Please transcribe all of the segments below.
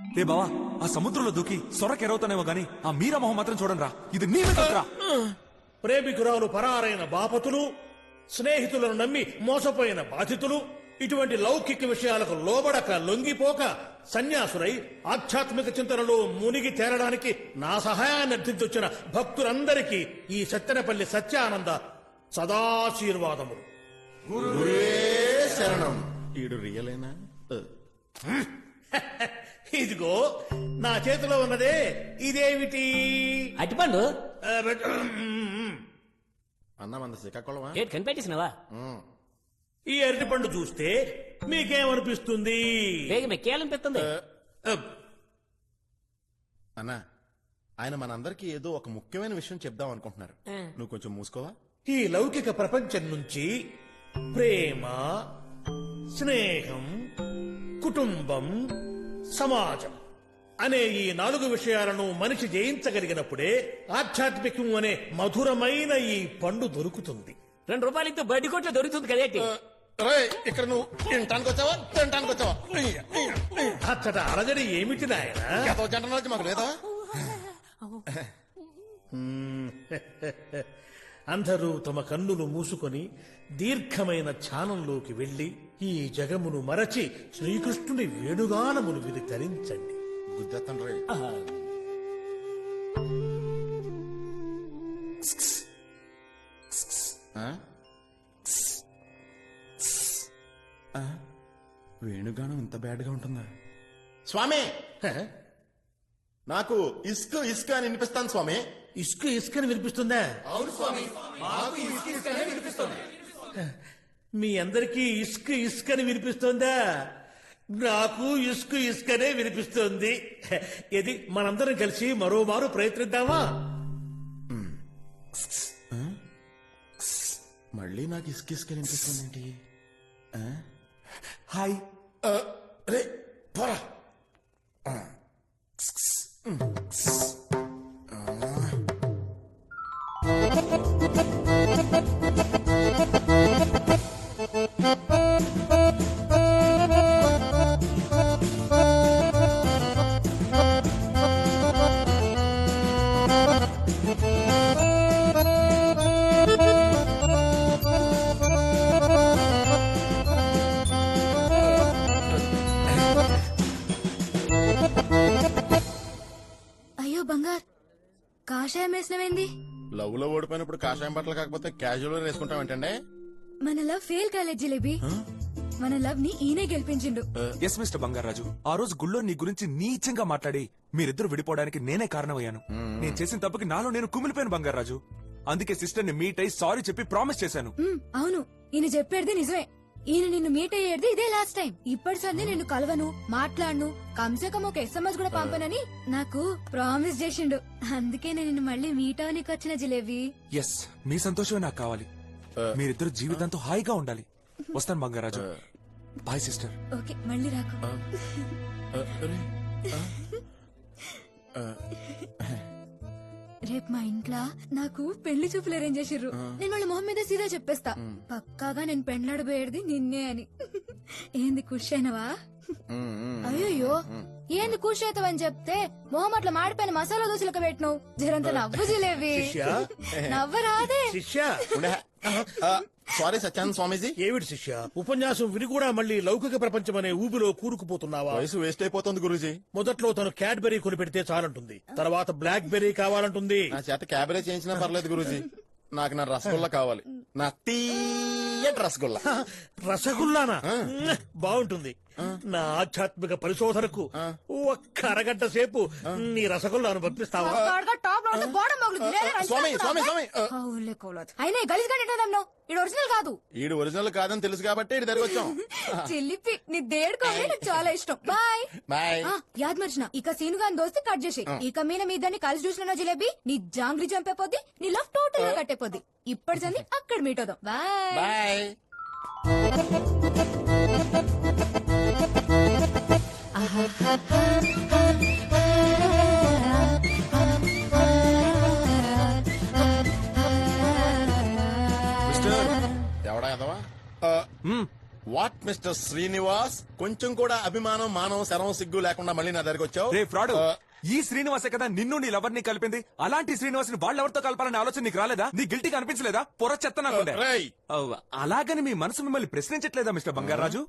ఏ బావా ఆ సముద్రంలో దూకి సొరకెరవుతానేమో గాని ఆ మీరా మొహం మాత్రం చూడండి రా. ఇది నీ మీద రా. ప్రేమికురాలు పరారైన బాపతులు, స్నేహితులను నమ్మి మోసపోయిన బాధితులు, ఇటువంటి లౌకిక విషయాలకు లోబడక లొంగిపోక సన్యాసులై ఆధ్యాత్మిక చింతనలో మునిగి తేరడానికి నా సహాయాన్ని అర్థించొచ్చిన భక్తులందరికీ ఈ సత్తెనపల్లి సత్యానంద సదాశీర్వాదములు. శరణం. ఈడు రియలేనా? ఇదిగో నా చేతిలో ఉన్నదే ఇదేమిటి? అట్టిపండు అన్న మన శ్రీకాకుళమా? గేట్ కనిపెట్టేసినవా? ఈ అరటిపండు చూస్తే మీకేమనిపిస్తుంది? వేగమే కేలనిపిస్తుంది. అన్న ఆయన మనందరికి ఏదో ఒక ముఖ్యమైన విషయం చెప్దాం అనుకుంటున్నారు. నువ్వు కొంచెం మూసుకోవా? ఈ లౌకిక ప్రపంచం నుంచి ప్రేమ, స్నేహం, కుటుంబం, సమాజం అనే ఈ 4 విషయాలను మనిషి జయించగలిగినప్పుడే ఆధ్యాత్మికం అనే మధురమైన ఈ పండు దొరుకుతుంది. 2 రూపాయలతో బడ్డీ కొట్లో దొరుకుతుంది కదేటి. ఇక్కడ నువ్వు తినటానికి వచ్చావా తినటానికి వచ్చావా? అచ్చట అలజడి ఏమిటి నాయన? జంట మాకు లేదా? అందరూ తమ కన్నులు మూసుకొని దీర్ఘమైన ధ్యానంలోకి వెళ్లి ఈ జగమును మరచి శ్రీకృష్ణుని వేణుగానమును విని తరించండి. గుద్దేత్తండ్రి. వేణుగానం ఇంత బ్యాడ్ గా ఉంటుందా? స్వామి నాకు ఇస్క్ ఇస్క్ అని వినిపిస్తాను స్వామి. ఇసుక ఇసుకని వినిపిస్తుందా? అవును స్వామి. మీ అందరికీ ఇసుక ఇసుకని వినిపిస్తుందా? నాకు ఇసుక ఇసుకనే వినిపిస్తుంది. ఇది మనందరం కలిసి మరోమారు ప్రయత్నిద్దామా? మళ్ళీ నాకు ఇస్క్ ఇస్క్ వినిపిస్తుంది ఏంటి? హాయ్. రే పోరా. అయ్యో బంగార్, కాషాయం వేసినవేంది? లవ్ లో ఓడిపోయినప్పుడు కాషాయం బట్టలు కాకపోతే క్యాజువల్ వేసుకుంటాం ఏంటంటే? మన లవ్ ఫెయిల్ కాలేదు జిలేబీ. మన లవ్ ని ఈయనే గెలిపించిండు. ఎస్ మిస్టర్ బంగారాజు, ఆ రోజు గుళ్ళో నీ గురించి నీచంగా మాట్లాడి మీరిద్దరు విడిపోవడానికి నేనే కారణమయ్యాను. నేను చేసిన తప్పుకి నాలో నేను కుమిలిపోయాను బంగారాజు. అందుకే సిస్టర్ ని మీట్ అయి సారీ చెప్పి ప్రామిస్ చేశాను. అవును, ఈయన చెప్పేది నిజమే. ఈయన నిన్ను మీట్ అయ్యేది ఇదే లాస్ట్ టైం. ఇప్పటి సంది నిన్ను కలవను, మాట్లాడను, కమ్సే కమ్ ఒక SMS కూడా పంపనని నాకు ప్రామిస్ చేసిండు. అందుకే నేను నిన్ను మళ్ళీ మీట్ అవనికి వచ్చిన జిలేబీ. ఎస్, మీ సంతోషమే నాకు కావాలి. మీరిద్దరు జీవితంతో హాయిగా ఉండాలి. వస్తాను బంగారాజు. Bye sister. ఓకే, మళ్ళీ రాకు. రేపు మా ఇంట్లో నాకు పెళ్లి చూపులు అరేంజ్ చేసిర్రు. నేను వాళ్ళ మొహం మీద సీదా చెప్పేస్తా, పక్కాగా నేను పెండ్లాడబోయేది నిన్నే అని. ఏంది ఖుషి అయినవా? అయ్యో ఏంది ఖుషి అవుతావని చెప్తే మొహం అట్లా మాడిపోయిన మసాలా దోశలకు పెట్టినావు. జరంత నవ్వు జిలేవి. నవ్వరాదే శిష్య. సారీ సత్యానంద స్వామీజీ. ఏమిటి శిష్య, ఉపన్యాసం విని కూడా మళ్ళీ లౌకిక ప్రపంచం అనే ఊబిలో కూరుకుపోతున్నావా? వయసు వేస్ట్ అయిపోతుంది గురూజీ. మొదట్లో తను క్యాడ్బెరీ కొని పెడితే చాలంటుంది, తర్వాత బ్లాక్ బెర్రీ కావాలంటుంది. నా చేత క్యాబరేజ్ చేయించినా పర్లేదు గురూజీ. నాకు నా రసగుల్లా కావాలి, నా తీయటి రసగుల్లా. రసగుల్లానా? బాగుంటుంది. నా ఆధ్యాత్మిక పరిశోధనకు ఒక్క అరగంట సేపు నీ రసగుల్లాను పంపిస్తావా? స్వామి స్వామి స్వామి. అయినా గలీజ్ గా ఇది ఒరిజినల్ కాదు. ఈడు ఒరిజినల్ కాదని తెలుసు కాబట్టి ఇటు దగ్గర వచ్చాం. చిల్లిపి నీ దేడుకోవాలి, నాకు చాలా ఇష్టం. Bye bye. యాద్ మర్చిన ఇక సీను గాని దోస్తే కట్ చేసి ఇక మీద మీ ఇద్దరిని కలిసి చూసిన జిలేబీ నీ జాంగ్రీ చంపేపోద్ది, నీ లవ్ టోటల్ గా కట్టేపోద్ది. ఇప్పటి సంది అక్కడ మీట్ అవుదాం. Bye bye. ఎవడా ఎదవా? వాట్ మిస్టర్ శ్రీనివాస్, కొంచెం కూడా అభిమానం మానవ శరం సిగ్గు లేకుండా మళ్ళీ నా దగ్గరికి వచ్చావు. రే ఫ్రాడ్, ఈ శ్రీనివాసే కదా నిన్ను నీ లవర్ ని కలిపింది. అలాంటి శ్రీనివాస్ ని వాళ్ళెవరితో కలపాలనే ఆలోచన నీకు రాలేదా? నీ గిల్టీగా అనిపించలేదా? పొర చెత్త నాకుండే. రేయ్, అలాగని మీ మనసు మిమ్మల్ని ప్రశ్నించట్లేదా మిస్టర్ బంగారాజు?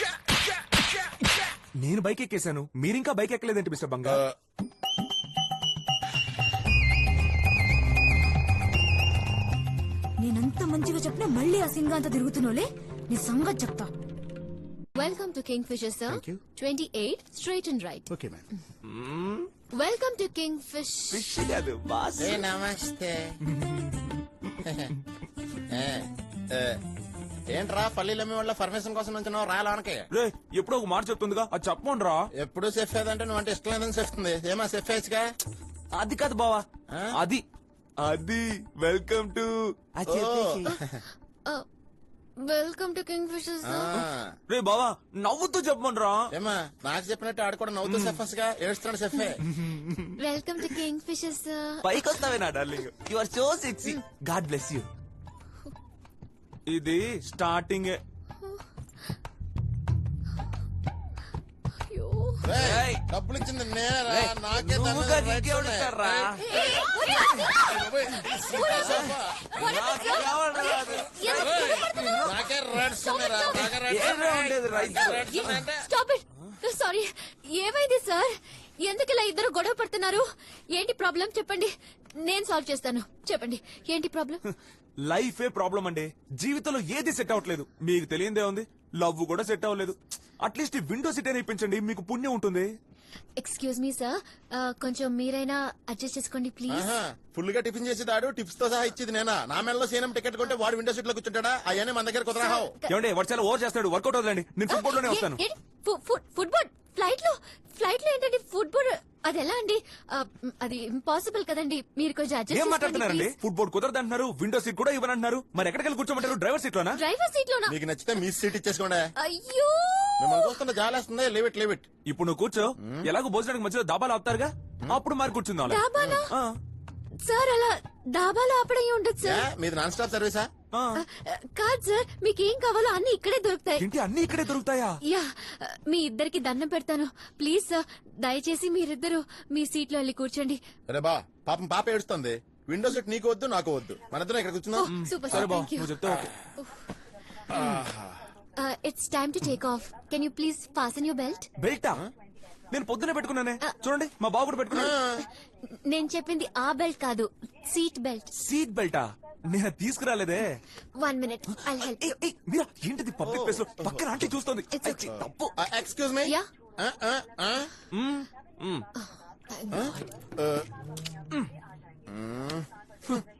నేను బైక్ ఎక్కేశాను, మీరింకా బైక్ ఎక్కలేదేంటి మిస్టర్ బంగారు? నేనంత మంచిగా చెప్పినా మళ్ళీ ఆ సింగ్ అంతా తిరుగుతున్నావులే, నీ సంగతి చెప్తా. Welcome to Kingfisher, sir. Thank you. 28, straight and right. Okay ma'am. Welcome to Kingfish. Fish కాదు, బాస్. ఏ నమస్తే. ఏంట్రా పల్లీలమ్మి వాళ్ళ పర్మిషన్ కోసం నుంచి రాయడానికి? రే ఎప్పుడో ఒక మాట చెప్తుందిగా, అది చెప్పండ్రా. ఎప్పుడు సెఫ్ ఏదంటే నువ్వు అంటే ఇష్టం లేదని చెప్తుంది. ఏమా సెఫ్ వేసుగా? అది కాదు బావా, అది అది welcome to. Welcome to Kingfisher, sir. రే బావా నవ్వుతూ చెప్పమనరా. ఏమా నాకు చెప్పినట్టు ఆడు కూడా నవ్వుతూ సెఫ్ గా ఏడుస్తున్నాడు సెఫే. Welcome to Kingfisher, sir. పైకి వస్తావే నా darling, you are so sexy. God bless you. ఇది స్టార్టింగ్. అయ్యో. రేయ్, డబ్బులు ఇచ్చింది నేరా, నాకే నువ్వుగా నీకెవడిస్తాడ్రా? నాకే రెడ్స్ ఉన్నారా? నాకే రెడ్స్ ఏమే ఉండేది రైతు? Stop it. Sorry. ఏమైంది సార్? ఎందుకు ఇలా ఇద్దరు గొడవ పడుతున్నారు? ఏంటి ప్రాబ్లం చెప్పండి, నేను సాల్వ్ చేస్తాను. చెప్పండి ఏంటి ప్రాబ్లం? లైఫే ప్రాబ్లం అండి. జీవితంలో ఏది సెట్ అవ్వట్లేదు. మీకు తెలియందే ఉంది, లవ్ కూడా సెట్ అవ్వలేదు. అట్లీస్ట్ విండో సీట్ అయినా ఇప్పించండి, మీకు పుణ్యం ఉంటుంది. ఎక్స్క్యూజ్ మీ సార్, కొంచెం మీరైనా అడ్జస్ట్ చేసుకోండి ప్లీజ్. ఫుల్ గా టిఫిన్ చేసి దాడు, టిప్స్ తో సహా ఇచ్చేది నేనా? నా మెడలో సీనం టికెట్ కొంటే వాడు విండో సీట్ లో కూర్చుంటాడా? అవన్నీ మన దగ్గర కుదరహావు. ఏమంటే వాడు చాలా ఓవర్ చేస్తాడు. వర్కౌట్ అవుతుందండి, నేను ఫుట్బాల్ లోనే వస్తాను. ఫుట్బాల్ ఫ్లైట్ లో ఏంటండి ఫుట్బాల్? అది ఎలా అండి? అది ఇంపాసిబుల్ కదండి. మీరు కొంచెం ఏం అడ్జస్ట్ మాట్లాడుతున్నారండి? చేసుకోండి ఫుట్బాల్ కుదరదు అంటున్నారు, విండో సీట్ కూడా ఇవ్వనంటున్నారు. మరి ఎక్కడికి వెళ్ళి కూర్చోమంటారు? డ్రైవర్ సీట్ లోనా? డ్రైవర్ సీట్ లోనా? మీకు నచ్చితే మీ సీట్ ఇచ్చేసుకోండి. అయ్యో, మిమ్మల్ని చూస్తుంటే జాలేస్తుంది. Leave it. ఇప్పుడు నువ్వు కూర్చో. ఎలాగో భోజనానికి మధ్యలో దాబాలు ఆపుతారుగా, అప్పుడు మరి కూర్చుందాం. డాబాలా? సార్ అలా డాబాలో ఆపడం ఉండదు సార్. మీది నాన్ స్టాప్ సర్వీసా? కాదు సార్, మీకు ఏం కావాలో అన్ని ఇక్కడే దొరుకుతాయి. ఏంటి అన్ని ఇక్కడే దొరుకుతాయా? యా, మీ ఇద్దరికి దండం పెడతాను ప్లీజ్ సార్. దయచేసి మీరిద్దరు మీ సీట్ లో వెళ్ళి కూర్చోండి. అరే బా, పాపం పాప ఏడుస్తుంది. విండో సీట్ నీకు వద్దు, నాకు వద్దు. మన ఇద్దరం ఇక్కడ కూర్చుందాం. సూపర్ సరే సార్, బావ, థ్యాంక్ యూ. నువ్వు చెప్తే okay. It's time to take off. Can you please fasten your belt? బెల్టా? నేను పొద్దునే పెట్టుకున్నానే, చూడండి మా బాబు కూడా పెట్టుకున్నాడు. నేను చెప్పింది ఆ బెల్ట్ కాదు, సీట్ బెల్ట్. సీట్ బెల్టా? నేను తీసుకురాలేదే. 1 minute, I'll help you. మీరా ఏంటిది పబ్లిక్ ప్లేస్ లో పక్కన ఆంటీ చూస్తోంది. It's okay. తప్పు. Excuse me. Yeah. Hmm, hmm. Thank God.